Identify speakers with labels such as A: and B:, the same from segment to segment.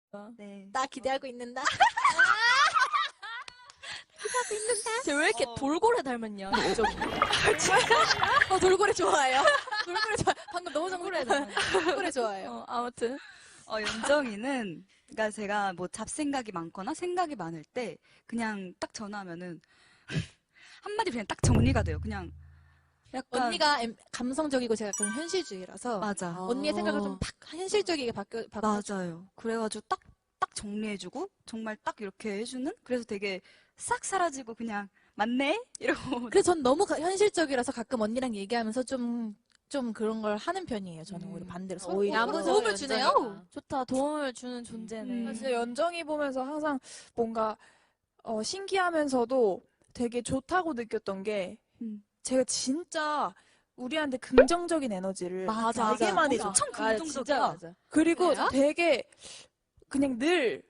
A: 네.
B: 나 기대하고 있는다.
C: 쟤왜 이렇게 돌고래 닮았냐? 좀.
B: 돌고래 좋아해요. 돌고래 좋아. 방금 너무 돌고래 닮았네. 돌고래 좋아해요.
C: 아무튼.
A: 연정이는, 그러니까 제가 뭐 잡생각이 많거나 생각이 많을 때, 그냥 딱 전화하면은, 한마디 그냥 딱 정리가 돼요. 그냥, 약간.
B: 언니가 감성적이고 제가 그런 현실주의라서
A: 맞아.
B: 언니의 생각을 좀 팍 현실적이게 바꿔.
A: 맞아요. 그래가지고 딱 정리해주고, 정말 딱 이렇게 해주는? 그래서 되게 싹 사라지고 그냥, 맞네? 이러고.
B: 그래서 전 너무 현실적이라서 가끔 언니랑 얘기하면서 좀 그런 걸 하는 편이에요. 저는 오히려 반대로.
C: 오히려
B: 야무져 도움을 주네요.
C: 연정이가. 좋다. 도움을 주는 존재네.
D: 나 진짜 연정이 보면서 항상 뭔가 신기하면서도 되게 좋다고 느꼈던 게 제가 진짜 우리한테 긍정적인 에너지를
C: 맞아,
D: 되게
C: 맞아.
D: 많이 줘.
A: 엄청
C: 진짜
A: 긍정적이야.
C: 맞아.
D: 그리고
B: 그래요?
D: 되게 그냥 늘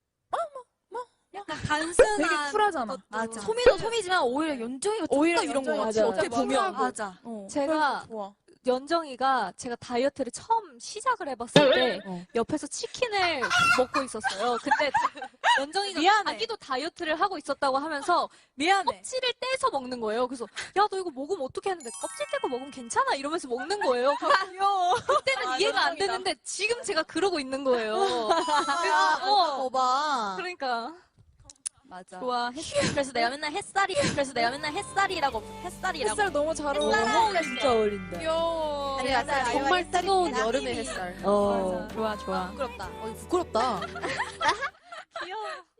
A: 약간
D: 되게
A: 단순한.
D: 쿨하잖아.
A: 맞아.
C: 소미도 소미지만 오히려 연정이가
D: 오히려
C: 좀 더 이런 거
D: 연정이가
C: 같아.
D: 진짜
C: 어떻게 보면.
A: 맞아.
E: 제가
D: 좋아.
E: 연정이가 제가 다이어트를 처음 시작을 해봤을 때 옆에서 치킨을 먹고 있었어요. 근데 연정이가
C: 미안해.
E: 자기도 다이어트를 하고 있었다고 하면서
C: 미안해.
E: 껍질을 떼서 먹는 거예요. 그래서 야 너 이거 먹으면 어떻게 하는데 껍질 떼고 먹으면 괜찮아 이러면서 먹는 거예요.
C: 귀여워.
E: 그때는 이해가 안 되는데 지금 제가 그러고 있는 거예요.
B: 봐.
E: 그러니까
A: 맞아.
E: 좋아. 그래서 내가 맨날 햇살이라고
D: 햇살 너무 잘 어울려.
C: 진짜 어울린다.
D: 귀여워.
B: 아니, 햇살,
C: 정말
B: 햇살이
C: 뜨거운
B: 나님이.
C: 여름의 햇살.
B: 맞아.
C: 좋아, 좋아.
B: 부끄럽다. 부끄럽다.
E: 귀여워.